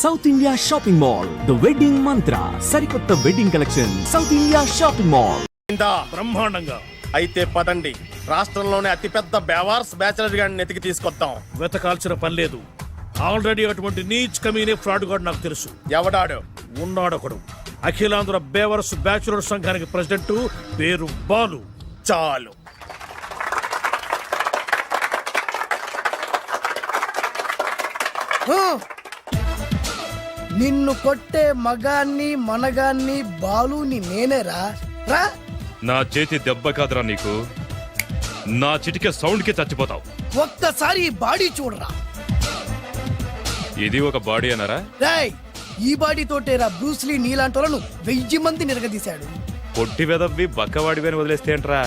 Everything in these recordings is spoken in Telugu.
South India shopping mall the wedding Mantra సరికొత్త wedding collection south India shopping mall బ్రహ్మాండంగా అయితే పదండి రాష్ట్రంలోనే అతిపెద్ద బేవార్స్ బ్యాచిలర్ గాడిని ఎతికి తీసుకొద్దాం. వెతకాల్సిన పని లేదు. ఆల్రెడీ అటువంటి నీచ్ కమీనే ఫ్రాడ్ గాడు నాకు తెలుసు. ఎవడాడు? ఉన్నాడొకడు. అఖిలాంధ్ర బేవర్స్ బ్యాచులర్ సంఘానికి ప్రెసిడెంట్, పేరు బాలు. చాలు. నిన్ను కొట్టే మగాన్ని మనగాన్ని బాలుని నేనేరా రా. నా చేతి దెబ్బ కాదురా నీకు, నా చిటికే సౌండ్ కి చచ్చిపోతావు. ఒక్కసారి ఈ బాడీ చూడరా. ఇది ఒక బాడీ అన్నారా? రేయ్, ఈ బాడీ తోటేరా బ్రూస్లీ నీలాంటి వాళ్ళను 1000 మంది నిరగదీశాడు. పొట్టి వెదవ్వి బక్కవాడివి అని వదిలేస్తే ఏంట్రా?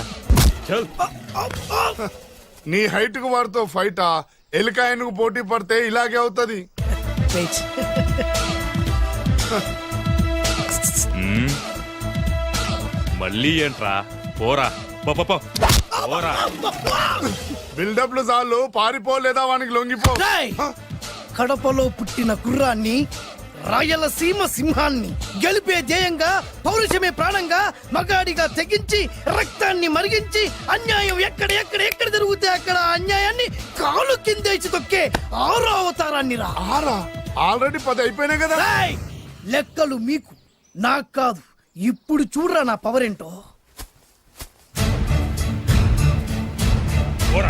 నీ హైట్ కు వారితో ఫైటా? ఎలికాయనకు పోటీ పడితే ఇలాగే అవుతుంది. మళ్ళీ ఏంట్రా? పోరా పోరా. బిల్డప్లు చాలు, పారిపోలేదా వానికి లొంగిపో. రేయ్, కడపలో పుట్టిన కుర్రాన్ని, రాయలసీమ సింహాన్ని గెలిపే ధ్యేయంగా, పౌరుషమే ప్రాణంగా, మగాడిగా తెగించి రక్తాన్ని మరిగించి అన్యాయం ఎక్కడ ఎక్కడ ఎక్కడ జరుగుతే అక్కడ అన్యాయాన్ని కాలు కిందేసి తొక్కే 6వ అవతారాన్ని రా. ఆల్రెడీ 10 అయిపోయినాయి కదా. రేయ్, లెక్కలు మీకు నాకు కాదు. ఇప్పుడు చూడరా నా పవర్ ఏంటో. పోరా.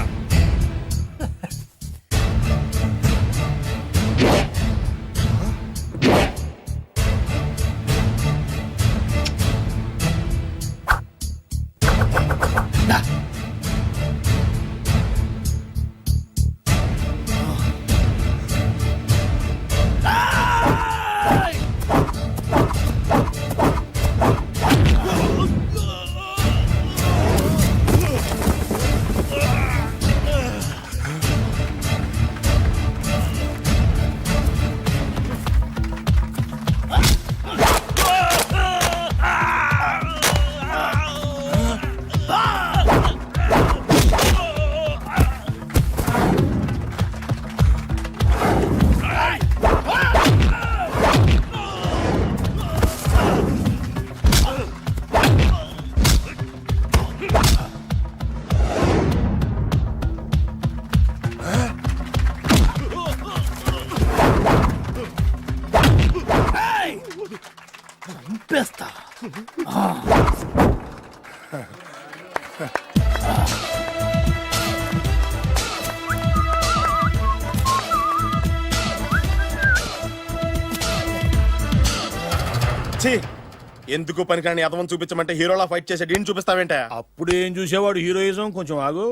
చంపేస్తా. ఎందుకు పనికిరాని అదవం చూపించమంటే హీరోలా ఫైట్ చేసే డీన్ చూపిస్తావేంట? అప్పుడేం చూసేవాడు హీరోయిజం. కొంచెం ఆగు.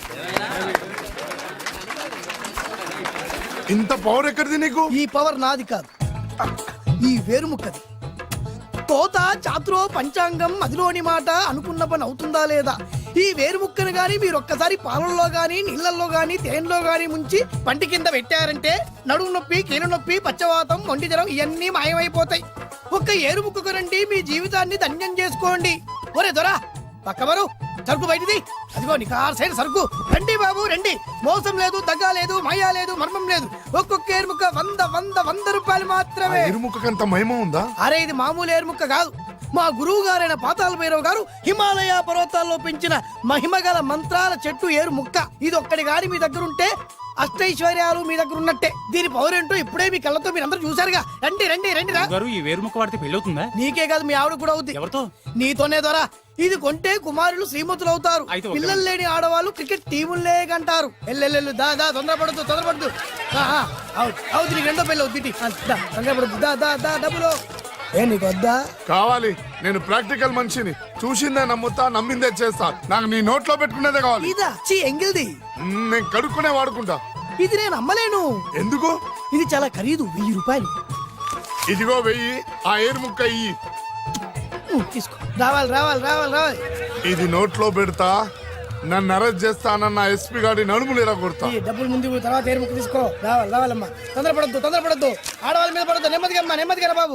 ఇంత పవర్ ఎక్కడిది నీకు? ఈ పవర్ నాది కాదు, ఈ వేరుముక్కది. తోత చాతురో పంచాంగం అదిలోని మాట అనుకున్న పని అవుతుందా లేదా? ఈ వేరుముక్కను గాని మీరొక్కసారి పాలల్లో గాని నీళ్లలో గాని తేనెలో గాని ముంచి పంటి కింద పెట్టారంటే నడుము నొప్పి, కీలు నొప్పి, పచ్చవాతం, మొండి జ్వరం ఇవన్నీ మాయమైపోతాయి. ఒక్క ఏరుముక్కకు రండి, మీ జీవితాన్ని ధన్యం చేసుకోండి. ఒరే దొరా, పక్కవరు సరుకు బయటిది. అదిగో నీ సైడ్ సరుకు. రండి బాబు రండి. మోసం లేదు, దగ్గ లేదు, మాయా లేదు, మర్మం లేదు. ఒక్కొక్క ఏరుముక్క 100 రూపాయలు మాత్రమే. ఎరుముకంత మహిమ ఉందా? అరే, ఇది మామూలు ఏరుముక్క కాదు. మా గురువు గారైన పాతాళ భైరవ్ గారు హిమాలయ పర్వతాల్లో పెంచిన మహిమగల మంత్రాల చెట్టు ఏరుముక్క. ఇది ఒక్కడి గాని మీ దగ్గర ఉంటే అష్టైశ్వర్యాలు మీ దగ్గర ఉన్నట్టే. దీని పవర్ ఏంటో ఇప్పుడే మీ కళ్ళతో మీరందరూ చూసారుగా. రండి రండి రండి రా. ఈ వేరుముక్క వాడితే పెళ్ళవుతుందా? నీకే కాదు, మీ ఆవిడ కూడా అవుతుంది. ఎవరితో? నీతోనే ద్వారా. ఇది కొంటే కుమారులు శ్రీమంతులు అవుతారు. పిల్లలు లేని ఆడవాళ్ళు క్రికెట్ టీములే కంటారు. ఎల్లెల్లు దా దా, తొందరపడద్దు. అవుతుంది, నీకు రెండో పెళ్ళి అవుతుంది. తొందరపడద్దు, దా దా దా. డబ్బులు ఏ నీకు వద్దా? కావాలి. నేను ప్రాక్టికల్ మనిషిని. చూసిందే నమ్ముతా, నమ్మిందే చేస్తా. నాకు నీ నోట్లో పెట్టుకునేదే కావాలి. ఇదా ఎంగిల్ది? నేను కడుక్కునే వాడుకుంటా. ఇది నేను అమ్మలేను. ఎందుకు? ఇది చాలా ఖరీదు, 1000 రూపాయలు. ఇదిగో 1000. ఆ ఏరుముక్క ఇయ్యి. తీసుకో. రావాలి. ఇది నోట్లో పెడతా, నన్ను అరెస్ట్ చేస్తానన్న ఎస్పీ గారి నడుములు ఇలా కొడతా. డబ్బులు ముందు తర్వాత ఏరుముక్క తీసుకో. రావాలమ్మా. తొందరపడద్దు. ఆడవాళ్ళ మీద పడద్దు. నెమ్మదిగా బాబు.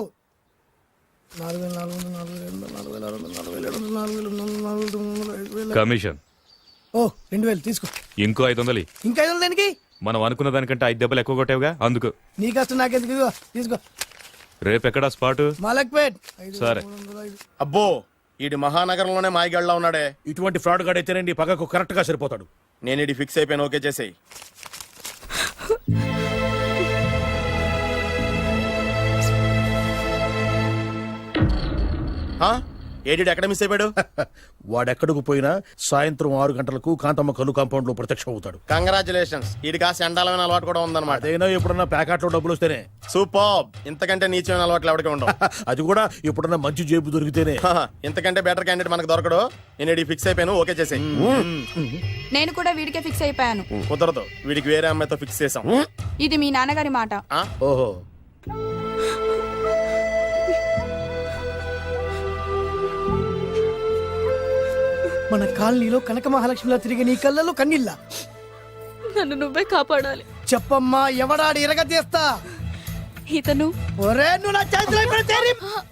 కమిషన్. ఓ 2000 తీసుకో. ఇంకో 500. ఇంకా 500 దేనికి? మనం అనుకున్న దానికంటే 5 దెబ్బలు ఎక్కువ కొట్టావుగా అందుకు. నీ కష్టం నాకెందుకు, ఇదిగో తీసుకో. రేపెక్కడా స్పాటు? మలక్పేట్. సరే. అబ్బో ఈడి మహానగరంలోనే మాయగాళ్ళ ఉన్నాడే. ఇటువంటి ఫ్రాడ్ గాడు అయితేనండి పగకు కరెక్ట్ గా సరిపోతాడు. నేను ఇది ఫిక్స్ అయిపోయాను, ఓకే చేసేయి. ఏడి ఎక్కడ మిస్ అయిపోయాడు? వాడెక్కడికి పోయినా సాయంత్రం 6 గంటలకు కాంతమ్మ కల్లు కాంపౌండ్ లో ప్రత్యక్షం అవుతాడు. కంగ్రాచులేషన్స్, ఈడి కాస్త ఎండాలమైన అలవాటు కూడా ఉందన్నమాట. అదైనా ఎప్పుడన్నా ప్యాకెట్లో డబ్బులు వస్తేనే. సూపర్, ఇంతకంటే నీచమైన అలవాట్లు ఎవరికి ఉండవు. అది కూడా ఎప్పుడన్నా మంచి జేబు దొరికితేనే. ఇంతకంటే బెటర్ క్యాండిడేట్ మనకు దొరకడు. నేను ఇది ఫిక్స్ అయిపోయాను, ఓకే చేసేయి. నేను కూడా వీడికే ఫిక్స్ అయిపోయాను. కుదరదు, వీడికి వేరే అమ్మాయితో ఫిక్స్ చేసాం. ఇది మీ నాన్నగారి మాట. ఓహో, మన కాలనీలో కనక మహాలక్ష్మిలా తిరిగి నీ కళ్ళలో కన్నీళ్ళ. నన్ను నువ్వే కాపాడాలి. చెప్పమ్మా, ఎవడాడు ఇరగ తీస్తా. ఇతను ఒరే నువ్వు నా చేతిలో ఇప్పుడు తేరి.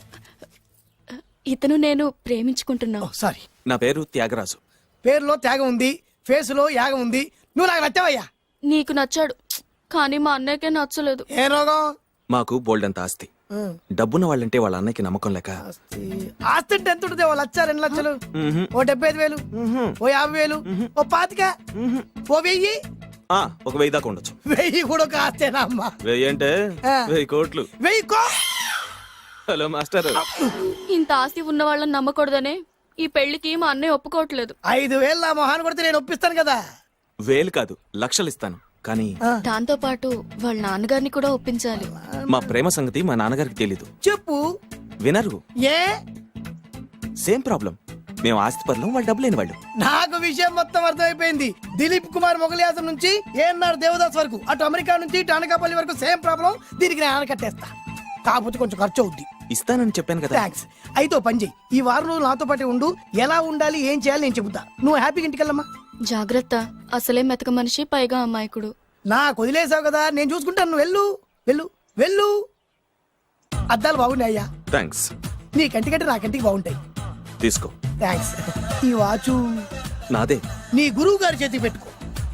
ఇతను నేను ప్రేమించుకుంటున్నా. సారీ, నా పేరు త్యాగరాజు. పేరులో త్యాగం ఉంది, ఫేసులో యాగం ఉంది. నువ్వు నాకు నచ్చావయ్యా. నీకు నచ్చాడు, కానీ మా అన్నయ్యకే నచ్చలేదు. ఏ రోగం? మాకు బోల్డంత ఆస్తి. డబ్బున్న వాళ్ళంటే వాళ్ళ అన్నయ్యకి నమ్మకం లేక. ఆస్తి అంటే ఎంత ఉంటుంది? 1,00,000, 2 లక్షలు, ఓ 75,000, ఓ 50,000, ఓ 25,000, ఓ 1000. ఒక 1000 దాకా ఉండొచ్చు. 1000 కూడా ఒక ఆస్తేనా అమ్మా? 1000 అంటే ఆ. 1000 కోట్లు. 1000 హలో మాస్టర్. ఇంత ఆస్తి ఉన్న వాళ్ళని నమ్మకూడదనే ఈ పెళ్లికి మా అన్నయ్య ఒప్పుకోవట్లేదు. 5,000 నా మొహాన్ని కొడితే నేను ఒప్పిస్తాను కదా. 1000 కాదు, లక్షలు ఇస్తాను. కానీ దాంతో పాటు వాళ్ళ నాన్నగారిని కూడా ఒప్పించాలి. మా ప్రేమ సంగతి మా నాన్నగారికి తెలీదు. చెప్పు. వినరు. ఏ? Same problem. మేము ఆస్తి పరులం, వాళ్ళు డబ్బు లేని వాళ్ళు. నాకు విషయం మొత్తం అర్థమైపోయింది. దిలీప్ కుమార్ మొగలియాసం నుంచి ఏఎన్ఆర్ దేవదాస్ వరకు, అటు అమెరికా నుంచి ఇటు అనకాపల్లి వరకు సేమ్ ప్రాబ్లం. దీనికి నేను ఆనకట్టేస్తా, కాకపోతే కొంచెం ఖర్చు అవుద్ది. ఇస్తానని చెప్పాను కదా. థ్యాంక్స్. అయితే ఓ పని చెయ్యి, ఈ వారం రోజులు నాతో పాటే ఉండు. ఎలా ఉండాలి, ఏం చేయాలి నేను చెబుతా. నువ్వు హ్యాపీగా ఇంటికెళ్ళమ్మా. జాగ్రత్త, అసలే మెతక మనిషి, పైగా అమాయకుడు. నాకు వదిలేసావు కదా, నేను చూసుకుంటాను. నువ్వు వెళ్ళు వెళ్ళు వెళ్ళు. అద్దాలు బాగున్నాయి అయ్యా. థ్యాంక్స్. నీ కంటికంటే నా కంటికి బాగుంటాయి. తీసుకో. థ్యాంక్స్. ఈ వాచు నాదే. నీ గురువు గారి చేతికి పెట్టుకో.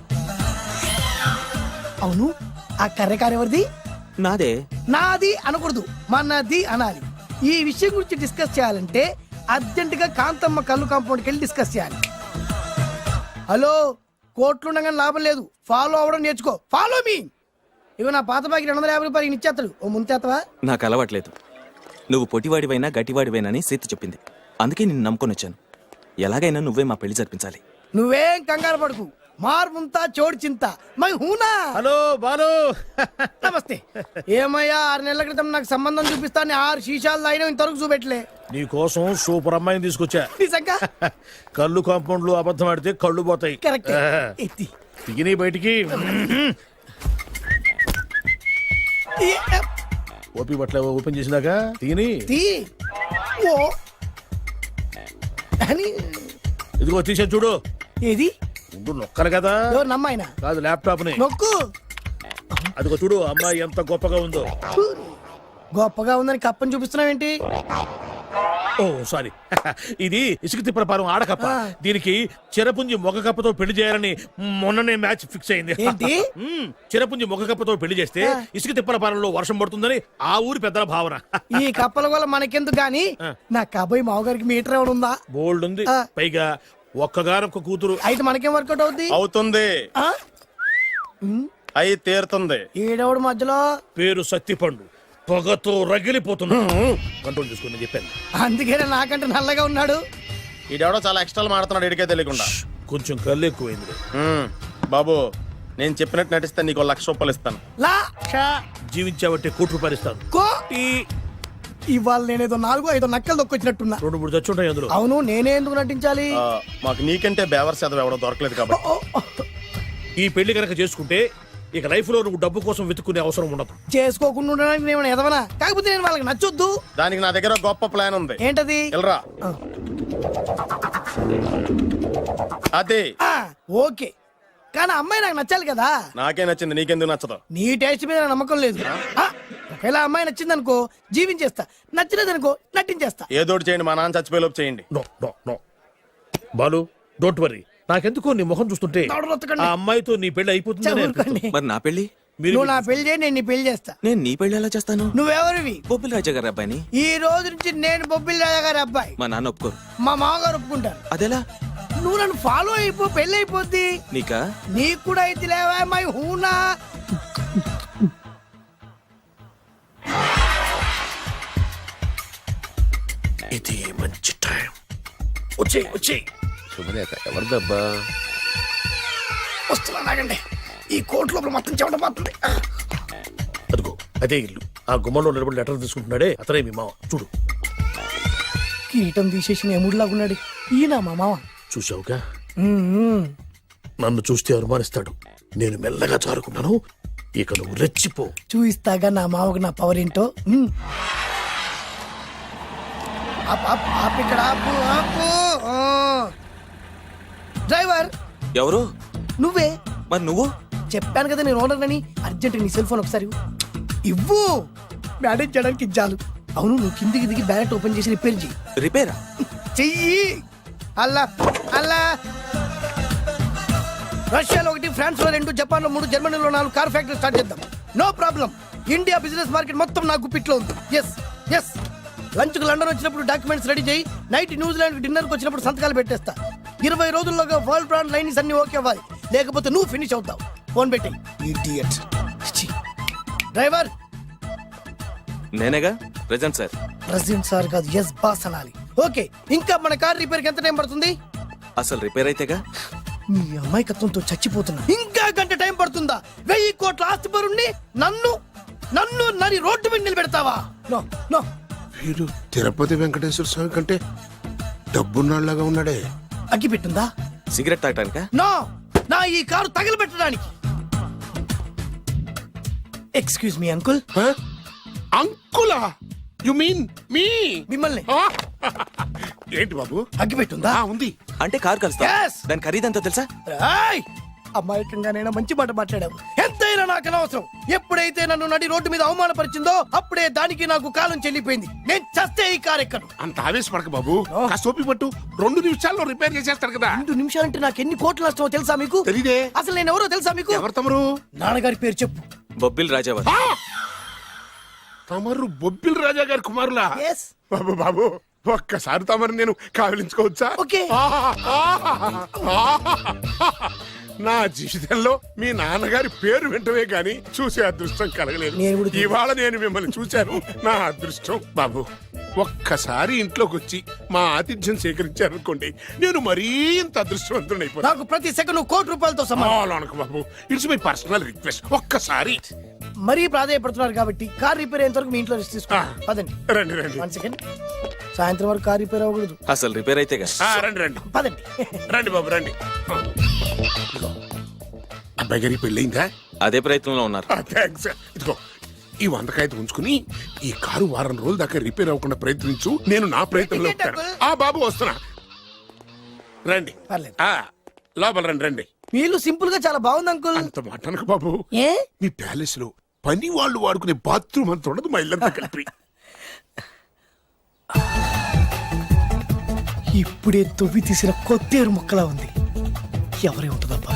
అవును, ఆ కర్రెకారు ఎవరిది? నాదే. నాది అనకూడదు, మనది అనాలి. ఈ విషయం గురించి డిస్కస్ చేయాలంటే అర్జెంట్ గా కాంతమ్మ కల్లు కాంపౌండ్కి వెళ్ళి డిస్కస్ చేయాలి. హలో, కోట్లుండగానే లాభం లేదు. ఫాలో అవ్వడం నేర్చుకో. Follow me. ఇవి నా పాత బాకి 250 రూపాయలు ఇచ్చేస్తాడు. ఓ ముంతేత్తవా? నాకు అలవాట్లేదు. నువ్వు పొటివాడివైనా గట్టివాడివైనా అని సీత చెప్పింది. అందుకే నిన్ను నమ్ముకొని వచ్చాను. ఎలాగైనా నువ్వే మా పెళ్లి జరిపించాలి. నువ్వేం కంగారు పడుకు. మార్ముంతా చోడు చింత మై హూనా. హలో బాలు. నమస్తే. ఏమయ్యా, 6 నెలల క్రితం నాకు సంబంధం చూపిస్తాను 6 శీషాలు అయినా ఇంతవరకు చూపెట్టలే. నీ కోసం సూపర్ అమ్మాయిని తీసుకొచ్చా. నిజంగా? కళ్ళు కాంపౌండ్ లో అబద్ధం ఆడితే కళ్ళు పోతాయి. కరెక్ట్. ఎత్తి తిని బయటికి. ఓపి బట్ల ఓపెన్ చేసినాక తిని. తీ. ఓ అని. ఇదిగో తీసే చూడు. ఏది? ఉండు, నొక్కలు కదా. ఎవరు నమ్మాయినా? కాదు, ల్యాప్టాప్ ని నొక్కు. అదిగో చూడు, అమ్మాయి ఎంత గొప్పగా ఉందో. గొప్పగా ఉందని కప్పని చూపిస్తున్నావేంటి? ఓ సారీ. ఇది ఇసుక తిప్పల పారం ఆడకప్ప. దీనికి చిరపుంజి మొగ కప్పతో పెళ్లి చేయాలని మొన్ననే మ్యాచ్ ఫిక్స్ అయింది. ఏంటి? చిరపుంజి మొగ కప్పతో పెళ్లి చేస్తే ఇసుక తిప్పల పారంలో వర్షం పడుతుందని ఆ ఊరి పెద్దల భావన. ఈ కప్పల వల్ల మనకెందుకు గాని, నా కాబోయే మావగారికి మీటర్ ఎవడు ఉందా? బోల్డ్ ఉంది. పైగా ఒక్కగారొక్క కూతురు. అయితే మనకేం వర్కౌట్ అవుద్ది? అవుతుంది, ఆ? అయి తీరుతుంది. ఈడెవడు మధ్యలో? పేరు సత్తిపండు. పొగతో రగిలిపోతున్నా. కంట్రోల్ చేసుకుని చెప్పాను. అందుకే నాకంటే నల్లగా ఉన్నాడు. ఈడెవడో చాలా ఎక్స్ట్రా మాడుతున్నాడు, ఇడికే తెలియకుండా. కొంచెం కళ్ళు ఎక్కువైంది. బాబు, నేను చెప్పినట్టు నటిస్తే నీకు 1,00,000 రూపాయలు ఇస్తాను. జీవించావంటే ₹1,00,000 ఇస్తాను. ఇవాళ నేనేదో 4-5 నక్కలు దొక్కొచ్చినట్టున్నా. 2-3 చచ్చుంటాయి అందులో. అవును, నేనే ఎందుకు నటించాలి? మాకు నీకంటే బేవర్ చదువు ఎవడో దొరకలేదు కాబట్టి. ఈ పెళ్లి కనుక చేసుకుంటే ఇక లైఫ్ లో నువ్వు డబ్బు కోసం వెతుక్కునే అవసరం ఉండదు. చేసుకోకుండా ఉండడానికి నేను ఎదవనా? కాకపోతే నేను వాళ్ళకి నచ్చొద్దు. దానికి నా దగ్గర గొప్ప ప్లాన్ ఉంది. ఏంటది? వెళ్ళరా. అదే. ఓకే, కానీ అమ్మాయి నాకు నచ్చాలి కదా. నాకే నచ్చింది, నీకెందుకు నచ్చదు? నీ టేస్ట్ మీద నాకు నమ్మకం లేదు. ఒకవేళ అమ్మాయి నచ్చింది అనుకో, జీవించేస్తా. నచ్చలేదు అనుకో, నటించేస్తా. ఏదోటి చేయండి, మా నాన్న చచ్చిపోయేలోపు చేయండి. No no no Balu, don't worry. నాకెందుకో నీ ముఖం చూస్తుంటే దవడరొత్తకండి. ఆ అమ్మాయితో నీ పెళ్లి అయిపోతుందని ఊరుకోండి. మరి నా పెళ్లి మీరు నువ్వు నా పెళ్లి చేయి, నేను నీ పెళ్లి చేస్తా. నేను నీ పెళ్లి ఎలా చేస్తాను? నువ్వెవరివి? బొబ్బిలి రాజా గారి అబ్బాయిని. ఈ రోజు నుంచి నేను బొబ్బిలి రాజా గారి అబ్బాయి. మా నాన్న ఒప్పుకోరు. మా మామగారు ఒప్పుకుంటారు. అదెలా? నువ్వు నన్ను ఫాలో అయిపో, పెళ్లి అయిపోద్ది. నీకా? నీకు కూడా అయితే లేవా మై హూనా. ఇది మంచి టైం. వచ్చేయ్ వచ్చేయ్. శుభలేఖ ఎవరిదబ్బా? వస్తున్నా నాగండి. ఈ కోర్టు లోపల మొత్తం చెమట పోతుంది. అదిగో అదే ఇల్లు. ఆ గుమ్మంలో నిలబడి లెటర్ తీసుకుంటున్నాడే అతనే మీ మామ. చూడు. కిరీటం తీసేసిన ఎముడిలాగున్నాడు. ఈయన మా మామ. చూసావుగా, మ్మ్. నన్ను చూస్తే అనుమానిస్తాడు. నేను మెల్లగా చారుకున్నాను. ఇక నువ్వు రెచ్చిపో. చూయిస్తాగా నా మామకు నా పవర్ ఏంటో. మ్మ్. ఆపు, ఆపు, ఆపు ఇక్కడ ఆపు, ఆపు. ఆ. డ్రైవర్ ఎవరు? నువ్వే. మరి నువ్వు? చెప్పాను కదా నేను ఓనర్ అని. అర్జెంట్ నీ సెల్ ఫోన్ ఒకసారి ఇవ్వు. మేనేజ్ చేయడానికి ఇచ్చాలు. అవును, నువ్వు కిందికి దిగి బ్యాలెట్ ఓపెన్ చేసి రిపేర్ చెయ్యి. రిపేరా? చెయ్యి. అల్లా అల్లా. రష్యాలో 1, ఫ్రాన్స్ లో 2, జపాన్ లో 3, జర్మనీలో 4 కార్ ఫ్యాక్టరీ స్టార్ట్ చేద్దాం. No problem. India business market మొత్తం నా గుప్పిట్లో ఉంది. Yes yes. లంచ్ కు లండన్ వచ్చినప్పుడు డాక్యుమెంట్స్ రెడీ చేయి. నైట్ న్యూజిలాండ్ డిన్నర్ కి వచ్చినప్పుడు సంతకాలు పెట్టేస్తా. 20 రోజుల్లోగా వరల్డ్ బ్రాండ్ లైన్స్ అన్ని ఓకే అవ్వాలి. లేకపోతే నువ్వు ఫినిష్ అవుతావు. ఫోన్ పెట్టి. ఇడియట్. డ్రైవర్. నేనేగా ప్రెజెంట్ సార్. ప్రెసిడెంట్ సార్ కాదు, ఎస్ బాస్ అనాలి. ఓకే, ఇంకా మన కార్ రిపేర్ కి ఎంత టైం పడుతుంది? అసలు రిపేర్ అయితేగా. మీ అమాయకత్వంతో చచ్చిపోతున్నా. ఇంకా గంట టైం పడుతుందా? 1000 కోట్ల ఆస్తి పరుణ్ణి నన్ను నన్ను నరి రోడ్డు మీద నిలబెడతావా? No no. వీడు తిరుపతి వెంకటేశ్వర స్వామి కంటే డబ్బున్నాళ్ళగా ఉన్నాడే. అగ్గి పెట్టుందా? సిగరెట్ తాగటానికా? నో, నా ఈ కారు తగలబెట్టడానికి. Excuse me uncle. అంకులా? You mean me? మిమ్మల్ని. ఏంటి బాబు? అగ్గి పెట్టుందా? ఉంది. అంటే కారు కలుస్తా. Yes. దాని ఖరీదంతా తెలుసా? రాయ్. అమాయకంగానైనా మంచి మాట మాట్లాడావు. ఎంతైనా నాకు అనవసరం. ఎప్పుడైతే నన్ను నడి రోడ్డు మీద అవమానపరిచిందో అప్పుడే దానికి నాకు కాలం చెల్లిపోయింది. నేను చస్తే ఈ కారు ఎక్కను. అంత ఆవేశపడక బాబు. కాస్త ఓపిక పట్టు. 2 నిమిషాల్లో రిపేర్ చేసేస్తాడు కదా. 2 నిమిషాలంటే నాకు ఎన్ని కోట్ల నష్టమో తెలుసా మీకు? తెలీదే. అసలు నేను ఎవరో తెలుసా మీకు? ఎవరు తమరు? నాన్నగారి పేరు చెప్పు. బొబ్బిలి రాజావారు. తమరు బొబ్బిలి రాజా గారి కుమారులా? ఎస్. బాబు బాబు, ఒక్కసారి తమరు నేను కావలించుకోవచ్చా? ఓకే. నా జీవితంలో మీ నాన్నగారి పేరు వింటమే గాని చూసే అదృష్టం కలగలేదు. నేను కూడా చూశాను. ఇవాళ నేను మిమ్మల్ని చూశాను. నా అదృష్టం. బాబు, ఒక్కసారి ఇంట్లోకి వచ్చి మా ఆతిథ్యం సేకరించారనుకోండి, నేను మరీ ఇంత అదృష్టవంతుడైపోతాను. నాకు ప్రతి సెకండ్ కోటి సమానం. అనకు బాబు, ఇట్స్ మై పర్సనల్ రిక్వెస్ట్. ఒక్కసారి. మరీ ప్రాధాయపడుతున్నారు కాబట్టి కార్ రిపేర్ అయ్యేంత వరకు మీ ఇంట్లో రెస్ట్ తీసుకోండి. పదండి. రండి రండి. 1 సెకండ్. సాయంత్రం వరకు కార్ రిపేర్ అవ్వకూడదు. అసలు రిపేర్ అయితేగా. రండి రండి. పదండి. రండి బాబు రండి. అబ్బాయి గారి పెళ్ళయిందా? అదే ప్రయత్నంలో ఉన్నారు. థ్యాంక్స్. ఇదిగో ఈ 100 కాగితం ఉంచుకుని ఈ కారు వారం రోజుల దాకా రిపేర్ అవ్వకుండా ప్రయత్నించు. నేను నా ప్రయత్నంలో ఉంటాను. బాబు వస్తున్నా. రండి. పర్లేదు. లోపల రండి రండి. మీ ఇల్లు సింపుల్ గా చాలా బాగుంది అంకుల్. అంత మాట అనకు బాబు. ఏ? మీ ప్యాలెస్ లో పని వాళ్ళు వాడుకునే బాత్రూమ్ అంత ఉండదు మా ఇల్లంతా కలిపి. ఇప్పుడే తొవ్వి తీసిన కొత్తేరు ముక్కలా ఉంది. ఎవరే ఉంటుందబ్బా?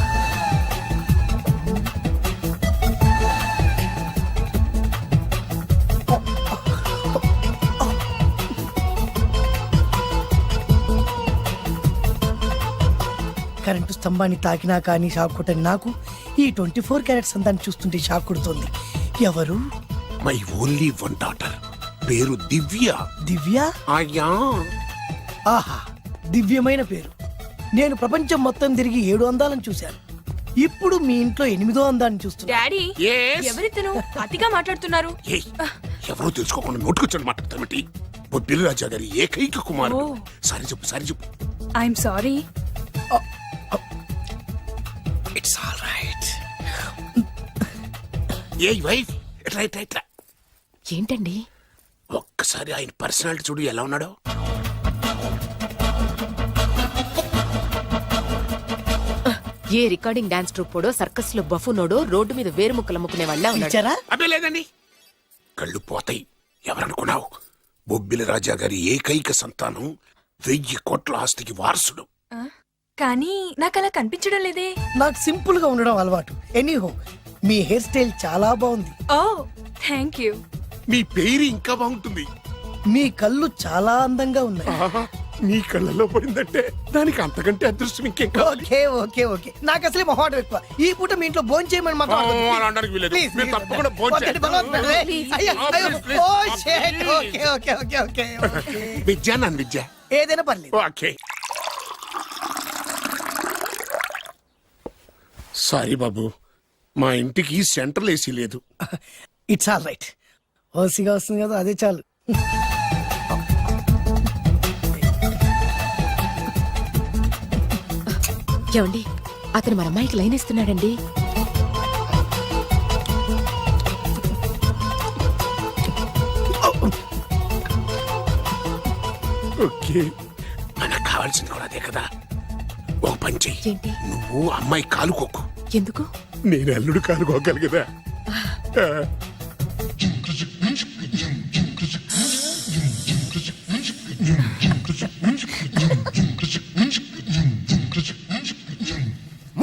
కరెంటు స్తంభాన్ని తాకినా కానీ షాక్ కొట్టని నాకు ఈ 24 క్యారెట్స్ అందాన్ని చూస్తుంటే షాక్ కొడుతుంది. ఎవరు? My only 1 daughter. పేరు దివ్య. దివ్య? అయ్యా. ఆహా, దివ్యమైన పేరు. నేను ప్రపంచం మొత్తం తిరిగి 7 అందాలను చూశాను. ఇప్పుడు మీ ఇంట్లో 8వ అందాన్ని చూస్తున్నా. Daddy Yes? ఎవరితను అతిగా మాట్లాడుతున్నారు? ఏయ్, ఎవరో తెలుసుకోకుండా నోటుకొచ్చాడు మాట్లాడతామటి. బొబ్బిలి రాజా గారి ఏకైక కుమారుడు. సారీ చెప్పు, సారీ చెప్పు. I'm sorry. It's all right. A wife, ఇట్లా ఇట్లా ఇట్లా. ఏంటండి? ఒక్కసారి ఆయన పర్సనాలిటీ చూడు ఎలా ఉన్నాడో. ఏ రికార్డింగ్ డాన్స్ ట్రూపోడో సర్కస్ లో బఫునోడో రోడ్డు మీద వేరుముక్కలు అమ్ముకునే వాళ్ళ ఇచ్చారా? అబ్బే లేదండి. కళ్ళు పోతాయి. ఎవరనుకున్నావు? బొబ్బిలి రాజా గారి ఏకైక సంతానం, 1000 కోట్ల ఆస్తికి వారసుడు. కానీ నాకు అలా కనిపించడం లేదే. నాకు సింపుల్ గా ఉండడం అలవాటు. ఎనీహో మీ హెయిర్ స్టైల్ చాలా బాగుంది. ఓ థ్యాంక్ యూ. మీ పేరు ఇంకా బాగుంటుంది. మీ కళ్ళు చాలా అందంగా ఉన్నాయి. ఆహా, నీ కళ్ళలో పడిందంటే దానికి అంతకంటే అదృష్టం ఇంకేం కావాలి. ఓకే ఓకే ఓకే నాకు అసలే మొహాటం ఎక్కువ. ఈ పూట మీ ఇంట్లో భోజనం చేయమని మాత్రం అడగొద్దు. అలా అనడానికి వీల్లేదు. Please, మీరు please. తప్పకుండా భోజనం ఒకటి చేయాలి. బలవంతం. అయ్యో, అయ్యో. Please, ఓ, please. shit. Okay okay okay okay okay. Vidya నన్ను విద్య. ఏదైనా పర్లేదు. ఓకే సారీ బాబు, మా ఇంటికి సెంట్రల్ ఏసీ లేదు. It's all right. ఓసిగా వస్తుంది కదా, అదే చాలు. ఏమండి, అతను మన అమ్మాయికి లైన్ ఇస్తున్నాడండి. ఓకే, మనకు కావాల్సింది కూడా అదే కదా. ఒక పని చెయ్యి, ఏంటి? నువ్వు అమ్మాయి కాలుకోకు, ఎందుకు? నేను అల్లుడు కాలుకోగలి కదా.